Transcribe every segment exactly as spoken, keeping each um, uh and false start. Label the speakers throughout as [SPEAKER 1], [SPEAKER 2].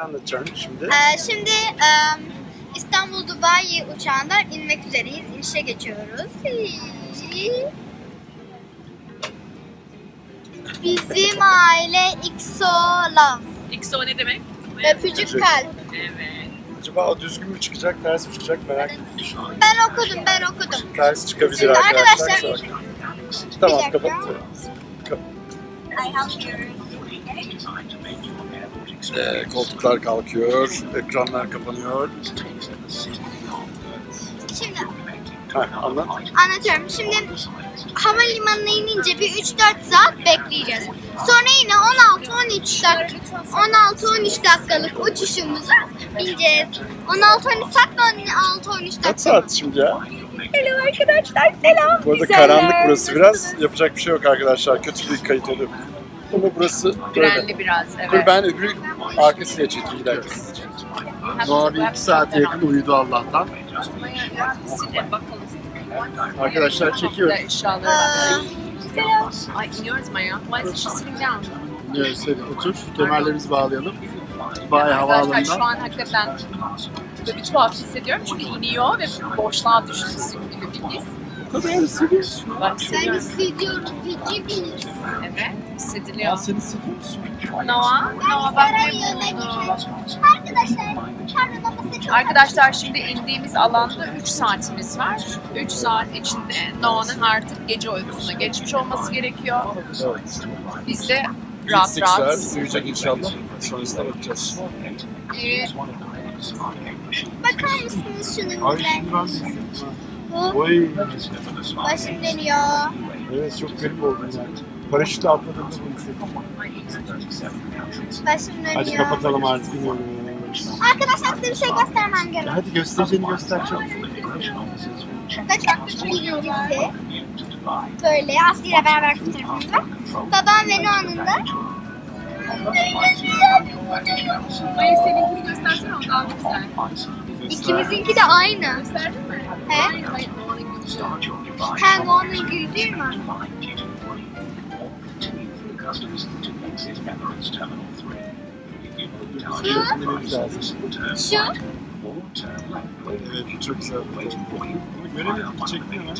[SPEAKER 1] anlatacaksın şimdi?
[SPEAKER 2] Ee, şimdi e, İstanbul Dubai uçağından inmek üzereyiz. İnişe geçiyoruz. Bizim aile X O Love.
[SPEAKER 3] X O ne demek?
[SPEAKER 2] Öpücük kalp.
[SPEAKER 3] Evet.
[SPEAKER 1] Acaba o düzgün mü çıkacak, ters mi çıkacak merak ettim.
[SPEAKER 2] Ben okudum, ben okudum.
[SPEAKER 1] Ters çıkabilir
[SPEAKER 2] Şimdi
[SPEAKER 1] arkadaşlar.
[SPEAKER 2] arkadaşlar-
[SPEAKER 1] Tamam,
[SPEAKER 2] Bir dakika.
[SPEAKER 1] kapatıyorum. Kap- Ee, koltuklar kalkıyor, ekranlar kapanıyor.
[SPEAKER 2] Şimdi
[SPEAKER 1] Heh, anlat.
[SPEAKER 2] anlatıyorum. Şimdi havalimanına inince bir üç dört saat bekleyeceğiz. Sonra yine on altı on üç dakika on altı on üç dakikalık uçuşumuza bineceğiz. on altı on üç saat on altı on üç dakika.
[SPEAKER 1] Kaç saat şimdi ya?
[SPEAKER 2] Hello arkadaşlar, selam.
[SPEAKER 1] Bu arada
[SPEAKER 2] Güzeller.
[SPEAKER 1] karanlık burası biraz. Yapacak bir şey yok arkadaşlar. Kötü bir kayıt oluyor. Ama burası böyle.
[SPEAKER 3] Grenli biraz,
[SPEAKER 1] Dur
[SPEAKER 3] evet.
[SPEAKER 1] ben öbürü arkasıyla çekeyim bir dakika. Noah bir iki saate yakın uyudu Allah'tan.
[SPEAKER 3] Size bakalım.
[SPEAKER 1] Arkadaşlar çekiyorum.
[SPEAKER 3] Eşyaları
[SPEAKER 2] Aa, selam.
[SPEAKER 3] Ay iniyoruz Maya. Why is she sitting down?
[SPEAKER 1] Evet, hadi otur. Kemerlerimizi bağlayalım. Dubai
[SPEAKER 3] Arkadaşlar şu
[SPEAKER 1] havaalanından.
[SPEAKER 3] an hakikaten böyle bir tuhaf hissediyorum çünkü iniyor ve boşluğa düşmüşsün gibi bir his.
[SPEAKER 1] Bu kadar hissediyorsun.
[SPEAKER 3] Ben
[SPEAKER 2] Ben
[SPEAKER 3] hissediyorum.
[SPEAKER 2] hissediyorum. Feci bir his.
[SPEAKER 3] Evet, hissediliyor.
[SPEAKER 1] Sen hissediyor musun?
[SPEAKER 3] Noah, Noah
[SPEAKER 2] Ben
[SPEAKER 3] bak
[SPEAKER 2] saray
[SPEAKER 3] ne
[SPEAKER 2] yanına
[SPEAKER 3] buldum.
[SPEAKER 2] gidiyorum. Arkadaşlar, pardon ama çok
[SPEAKER 3] Arkadaşlar şimdi indiğimiz alanda üç saatimiz var. üç saat içinde Noah'nın artık gece uykusuna geçmiş olması gerekiyor.
[SPEAKER 1] Evet.
[SPEAKER 3] Biz de rahat
[SPEAKER 1] sekiz saat
[SPEAKER 3] rahat.
[SPEAKER 1] uyuyacak inşallah. Sonrasında bakacağız.
[SPEAKER 3] Ee,
[SPEAKER 2] bakar mısınız şunun
[SPEAKER 1] Ay
[SPEAKER 2] güzel?
[SPEAKER 1] şimdi ben de hissettim.
[SPEAKER 2] Bu
[SPEAKER 1] Oy.
[SPEAKER 2] başım dönüyor.
[SPEAKER 1] Evet çok garip oldu yani. Paraşütle atladığımda bunu hissettim.
[SPEAKER 2] Başım dönüyor.
[SPEAKER 1] Hadi kapatalım artık. Bilmiyorum.
[SPEAKER 2] Arkadaşlar size bir şey göstermem gerek.
[SPEAKER 1] Hadi göstereceğini göster çabuk.
[SPEAKER 2] Bakın birincisi böyle Aslı ile beraber fotoğrafımız var. Babam ve Noah'nın da
[SPEAKER 3] Maya seninkini göstersene o daha güzel.
[SPEAKER 2] ikimizinki de aynı.
[SPEAKER 3] Gösterdin mi?
[SPEAKER 2] He?
[SPEAKER 3] Hayır, hayır, Noah'nın gülüşü.
[SPEAKER 2] Hem Noah'nın güldüğü mü? Şu,
[SPEAKER 1] Evet çok güzel. Bunu göremedim ki çekti mi?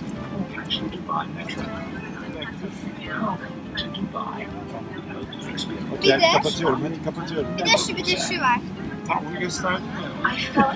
[SPEAKER 2] Bir
[SPEAKER 1] Yani
[SPEAKER 2] de-
[SPEAKER 1] kapatıyorum hadi kapatıyorum.
[SPEAKER 2] bir de şu, bir de şu var.
[SPEAKER 1] Tamam onu gösterdim ya.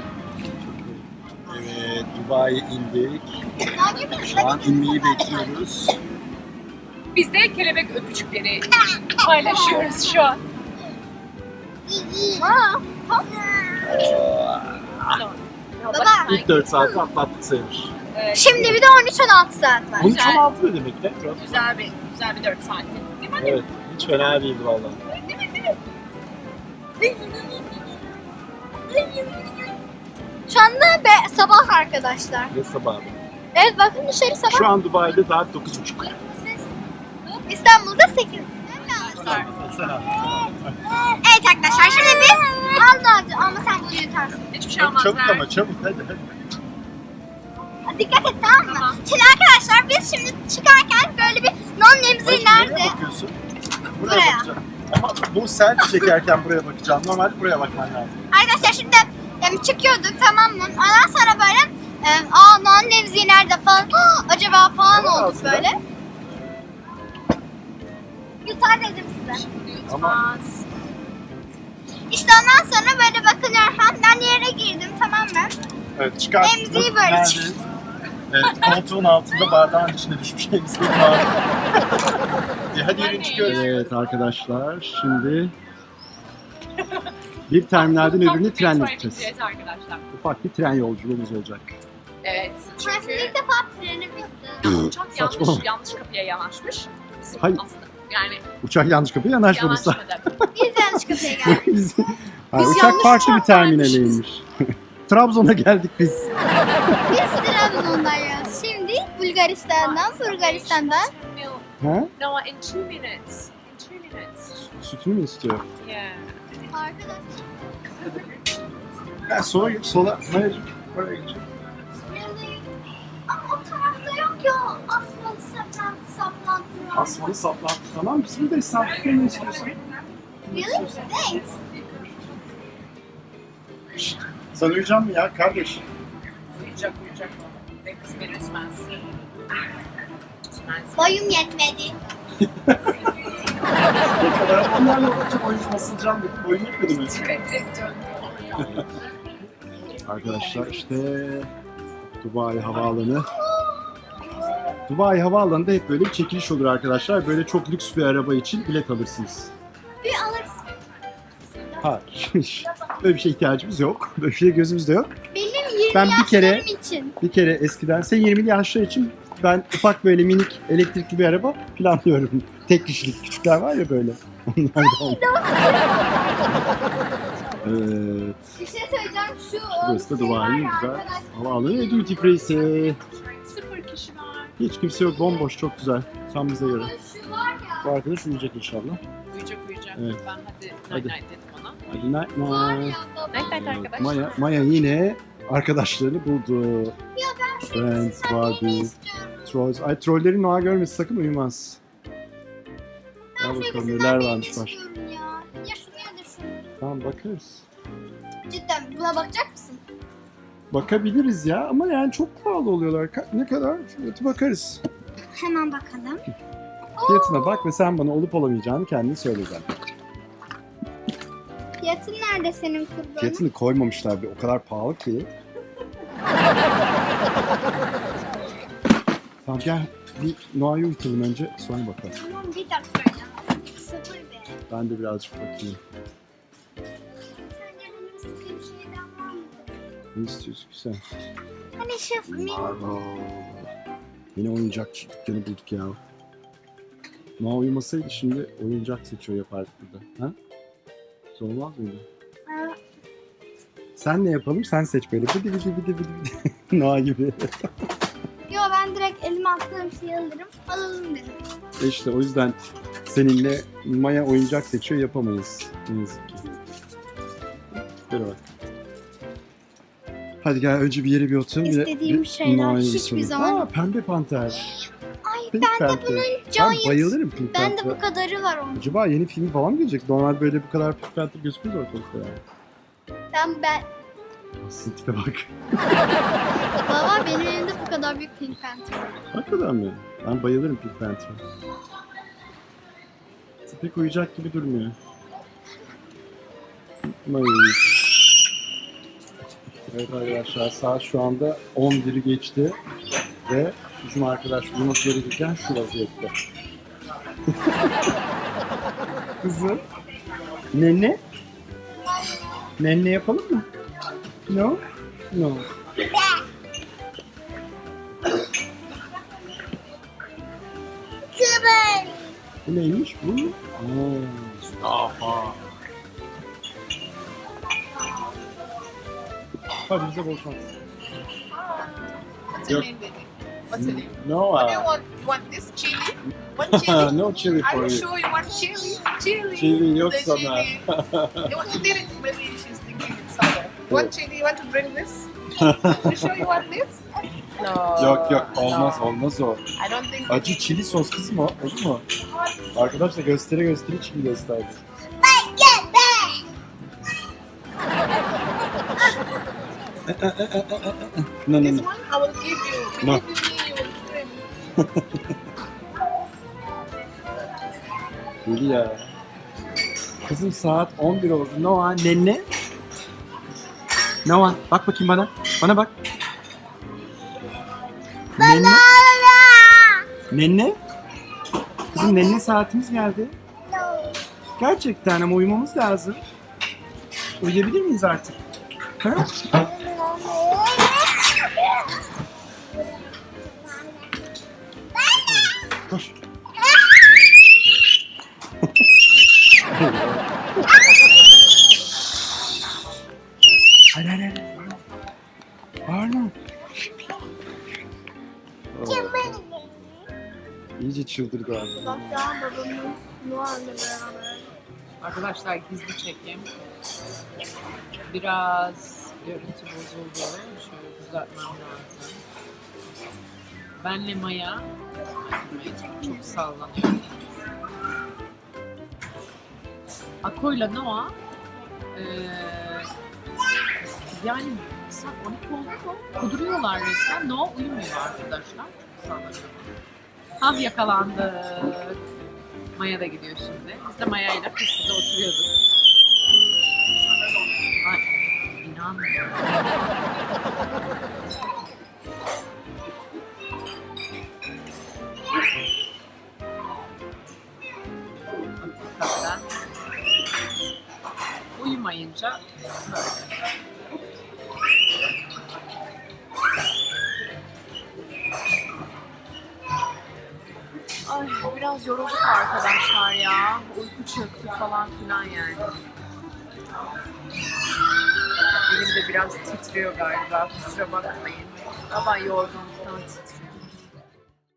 [SPEAKER 1] Evet Dubai'ye indik. Şu an inmeyi bekliyoruz.
[SPEAKER 3] Biz de kelebek öpücükleri paylaşıyoruz şu an.
[SPEAKER 2] Aa, hop. Baba.
[SPEAKER 1] İlk dört saati atlattık sayılır.
[SPEAKER 3] Evet,
[SPEAKER 2] Şimdi bir de on üç on altı saat var.
[SPEAKER 1] on üç on altı ne demek ne?
[SPEAKER 3] güzel bir güzel bir dört saatti. Değil mi?
[SPEAKER 1] Evet hiç fena değildi valla.
[SPEAKER 2] Şu anda be, sabah arkadaşlar.
[SPEAKER 1] Ne sabahı.
[SPEAKER 2] Evet bakın dışarı sabah.
[SPEAKER 1] Şu an Dubai'de saat dokuz buçuk.
[SPEAKER 2] İstanbul'da sekiz.
[SPEAKER 1] Selam.
[SPEAKER 2] Evet arkadaşlar şimdi biz Alnacı ama sen bunu yutarsın.
[SPEAKER 3] Hiçbir şey olmaz.
[SPEAKER 1] Çabuk
[SPEAKER 3] ver.
[SPEAKER 1] ama çabuk hadi hadi.
[SPEAKER 2] Dikkat et tamam mı?
[SPEAKER 3] Tamam.
[SPEAKER 2] Şimdi arkadaşlar biz şimdi çıkarken böyle bir non nemzi
[SPEAKER 1] Hayır,
[SPEAKER 2] nerede?
[SPEAKER 1] nereye bakıyorsun? Buraya,
[SPEAKER 2] Buraya.
[SPEAKER 1] bakacağım. Ama bu selfie çekerken buraya bakacağım. Normalde buraya bakman lazım.
[SPEAKER 2] Arkadaşlar şimdi yani çıkıyorduk tamam mı? Ondan sonra böyle e, aa non nemzi nerede falan "Hah, acaba falan
[SPEAKER 1] Tamam,
[SPEAKER 2] olduk
[SPEAKER 1] aslında.
[SPEAKER 2] böyle. Yutar dedim size.
[SPEAKER 3] Yutmaz.
[SPEAKER 2] İşte ondan sonra böyle bakınıyorum falan ben yere girdim tamam mı?
[SPEAKER 1] Evet çıkar.
[SPEAKER 2] Emziği böyle
[SPEAKER 1] Neredeyiz? Evet koltuğun altında bardağın içine düşmüş emziği var. E, hadi yürüyün çıkıyoruz. Evet arkadaşlar şimdi bir terminalden
[SPEAKER 3] Ufak
[SPEAKER 1] öbürüne
[SPEAKER 3] bir
[SPEAKER 1] trenle
[SPEAKER 3] metroya
[SPEAKER 1] gideceğiz.
[SPEAKER 3] gideceğiz arkadaşlar.
[SPEAKER 1] Ufak bir tren yolculuğumuz olacak.
[SPEAKER 3] Evet.
[SPEAKER 2] Burası
[SPEAKER 3] Çünkü
[SPEAKER 2] ilk defa treni bitti.
[SPEAKER 3] uçak yanlış
[SPEAKER 1] Saçmalama.
[SPEAKER 3] yanlış kapıya yanaşmış. Bizim
[SPEAKER 1] Hayır.
[SPEAKER 3] aslında yani
[SPEAKER 1] Uçak yanlış kapıya yanaşmadı.
[SPEAKER 3] yanaşmadı.
[SPEAKER 2] Biz yanlış kapıya geldik.
[SPEAKER 1] biz, Hayır,
[SPEAKER 3] Biz
[SPEAKER 1] uçak
[SPEAKER 3] yanlış
[SPEAKER 1] farklı bir
[SPEAKER 3] uçaktaymışız.
[SPEAKER 1] terminaleymiş. Trabzon'a geldik biz.
[SPEAKER 2] Biz Trabzon'dayız. Şimdi Bulgaristan'dan, Bulgaristan'dan.
[SPEAKER 1] Ha?
[SPEAKER 3] No, in two minutes. In two minutes.
[SPEAKER 1] Sütünü mü istiyor?
[SPEAKER 3] Yeah.
[SPEAKER 2] Arkadaşlar.
[SPEAKER 1] Ben sola geç, sola. Mayacık. Oraya geçelim.
[SPEAKER 2] Ama o tarafta yok ya. Asmalı saplantı, saplantı.
[SPEAKER 1] Asmalı saplantı tamam. Biz buradayız. Sen tutmayı istiyorsan.
[SPEAKER 2] Really? Thanks.
[SPEAKER 1] Şşt, sen uyuyacak mısın ya kardeş?
[SPEAKER 3] Uyuyacak uyuyacak. Ve kız beni üzmez. Üzmez.
[SPEAKER 2] Boyum yetmedi.
[SPEAKER 1] Ne kadar onlarla olunca boyun basılacağım dedim. Boyun yetmedi mi? Arkadaşlar işte Dubai Havaalanı. Dubai Havaalanı'nda hep böyle bir çekiliş olur arkadaşlar. Böyle çok lüks bir araba için bilet alırsınız.
[SPEAKER 2] Bir alırız.
[SPEAKER 1] Hayır. Böyle bir şeye ihtiyacımız yok. Böyle bir şey gözümüzde yok.
[SPEAKER 2] Benim yirmi
[SPEAKER 1] Ben bir kere-
[SPEAKER 2] yaşlarım için.
[SPEAKER 1] Bir kere eskiden, sen yirmili yaşlar için ben ufak böyle minik elektrikli bir araba planlıyorum. Tek kişilik küçükler var ya böyle. Onlardan. Evet.
[SPEAKER 2] Bir şey söyleyeceğim şu.
[SPEAKER 1] Burası da
[SPEAKER 2] şey var
[SPEAKER 1] Dubai'nin
[SPEAKER 2] ya
[SPEAKER 1] güzel
[SPEAKER 2] arkadaşlar.
[SPEAKER 1] havaalanı ve duty free'si.
[SPEAKER 3] Sıfır kişi var.
[SPEAKER 1] Hiç kimse yok, bomboş, çok güzel. Tam bize göre.
[SPEAKER 2] Şu var ya.
[SPEAKER 1] Bu arkadaş uyuyacak inşallah.
[SPEAKER 3] Uyuyacak uyuyacak.
[SPEAKER 1] Evet.
[SPEAKER 3] Ben hadi
[SPEAKER 1] Hadi.
[SPEAKER 3] night night dedim ona.
[SPEAKER 1] Hadi night
[SPEAKER 2] Var
[SPEAKER 1] night.
[SPEAKER 2] ya baba.
[SPEAKER 3] Night night arkadaşlar.
[SPEAKER 1] Maya, Maya yine arkadaşlarını buldu.
[SPEAKER 2] Ya ben şu
[SPEAKER 1] Friends,
[SPEAKER 2] ikisinden birini
[SPEAKER 1] Barbie,
[SPEAKER 2] istiyorum.
[SPEAKER 1] Trolls. Ay trolleri Noah görmesi sakın uyumaz.
[SPEAKER 2] Ben
[SPEAKER 1] Al
[SPEAKER 2] şu
[SPEAKER 1] bakalım
[SPEAKER 2] ikisinden
[SPEAKER 1] neler
[SPEAKER 2] birini
[SPEAKER 1] varmış başka.
[SPEAKER 2] istiyorum ya. Ya şunu ya da şunu.
[SPEAKER 1] Tamam bakarız.
[SPEAKER 2] Cidden buna bakacak mısın?
[SPEAKER 1] Bakabiliriz ya ama yani çok pahalı oluyorlar. Ka- Ne kadar? Fiyatı bakarız.
[SPEAKER 2] Hemen bakalım.
[SPEAKER 1] Fiyatına bak ve sen bana olup olamayacağını kendin söyle zaten.
[SPEAKER 2] Fiyatın nerede senin kurbanın?
[SPEAKER 1] Fiyatını koymamışlar bir o kadar pahalı ki. Tamam gel bir Noah'yı uyutalım önce sonra bakalım.
[SPEAKER 2] Tamam bir dakika ya. Sıfır be.
[SPEAKER 1] Ben de birazcık bakayım.
[SPEAKER 2] Sence benim istediğim şeyden var mı?
[SPEAKER 1] Ne istiyorsun ki sen?
[SPEAKER 2] Hani şef mi?
[SPEAKER 1] Aa, yine oyuncak dükkanı bulduk ya. Noah uyumasaydı şimdi oyuncak seçiyor yapardık burada. Ha? Zor olmaz mıydı?
[SPEAKER 2] Aa,
[SPEAKER 1] Sen ne yapalım? Sen seç böyle. Bıdı bıdı bıdı bıdı. Noah gibi.
[SPEAKER 2] Yo ben direkt elime attığım şeyi alırım. Alalım dedim.
[SPEAKER 1] E İşte o yüzden seninle Maya oyuncak seçiyor yapamayız. Ne yazık ki. Böyle bak. Hadi gel önce bir yere bir oturalım. bir de-
[SPEAKER 2] İstediğim
[SPEAKER 1] bir
[SPEAKER 2] şeyler
[SPEAKER 1] Noah'yı
[SPEAKER 2] hiçbir
[SPEAKER 1] soralım.
[SPEAKER 2] zaman-
[SPEAKER 1] Aa, pembe panter.
[SPEAKER 2] Ay
[SPEAKER 1] Pink
[SPEAKER 2] ben de
[SPEAKER 1] Panther.
[SPEAKER 2] bunun
[SPEAKER 1] Ben
[SPEAKER 2] Giant.
[SPEAKER 1] bayılırım Pink
[SPEAKER 2] Ben de
[SPEAKER 1] Panther'a.
[SPEAKER 2] bu kadarı var onun.
[SPEAKER 1] Acaba yeni film falan mı gelecek? Normal böyle bu kadar Pink Panther gözükmüyor ortalıkta yani.
[SPEAKER 2] Ben ben.
[SPEAKER 1] Aslında tipe bak.
[SPEAKER 2] Baba benim elimde bu kadar büyük Pink Panther var.
[SPEAKER 1] Hakikaten mi? Ben bayılırım Pink Panther'a. Pek uyuyacak gibi durmuyor. Mayıs. Evet arkadaşlar saat şu anda on biri geçti ve bizim arkadaş uyuması gerekirken şu vaziyette. Kızım. Nenne? Nenne yapalım mı? No? No.
[SPEAKER 2] Kıvır.
[SPEAKER 1] Bu neymiş bu? Aa, aha. Hadi bize bol şans.
[SPEAKER 3] What's your name, baby? What's your name?
[SPEAKER 1] No,
[SPEAKER 3] What do you
[SPEAKER 1] uh,
[SPEAKER 3] want? You want this chili? One chili?
[SPEAKER 1] no chili
[SPEAKER 3] Are
[SPEAKER 1] for
[SPEAKER 3] you
[SPEAKER 1] you.
[SPEAKER 3] sure you want chili? Chili.
[SPEAKER 1] Chili yok
[SPEAKER 3] The
[SPEAKER 1] sana.
[SPEAKER 3] chili. You want to did it? Maybe she's thinking it's other. One chili. You want to bring this? You sure you want this? No.
[SPEAKER 1] Yok yok olmaz
[SPEAKER 3] no.
[SPEAKER 1] olmaz o.
[SPEAKER 3] I don't think.
[SPEAKER 1] Acı çili sos kızım o. Olur mu? Arkadaşlar göstere göstere çili gösterdi. No no
[SPEAKER 3] This
[SPEAKER 1] no.
[SPEAKER 3] one I will give you.
[SPEAKER 1] No.
[SPEAKER 3] Believe me, you will swim.
[SPEAKER 1] Deli ya. Kızım saat on bir oldu. Noah nenne. Noah bak bakayım bana. Bana bak. Nenne. Nenne. Kızım nenne saatimiz geldi. Gerçekten ama uyumamız lazım. Uyuyabilir miyiz artık? Ha? Koş. Hayır hayır hayır. Bağırma. İyice çıldırdı abi.
[SPEAKER 2] Bak ya babamın Noah'la beraber.
[SPEAKER 3] Arkadaşlar gizli çekim. Biraz görüntü bozuldu. Şöyle düzeltmem lazım. Benle Maya çok sallanıyor. Ako'yla Noah eee Yani saat on iki oldu mu? Kuduruyorlar resmen. No uyumuyor arkadaşlar. Sanırım. Ah yakalandık. Maya da gidiyor şimdi. Biz de Maya'yla kız kıza oturuyorduk. Ay inanmıyorum. Hakikaten. Uyumayınca böyle. Ay biraz yorulduk arkadaşlar ya. Uyku çöktü falan filan yani. Elim de biraz titriyor galiba. Kusura bakmayın. Ama yorgunluktan titriyor.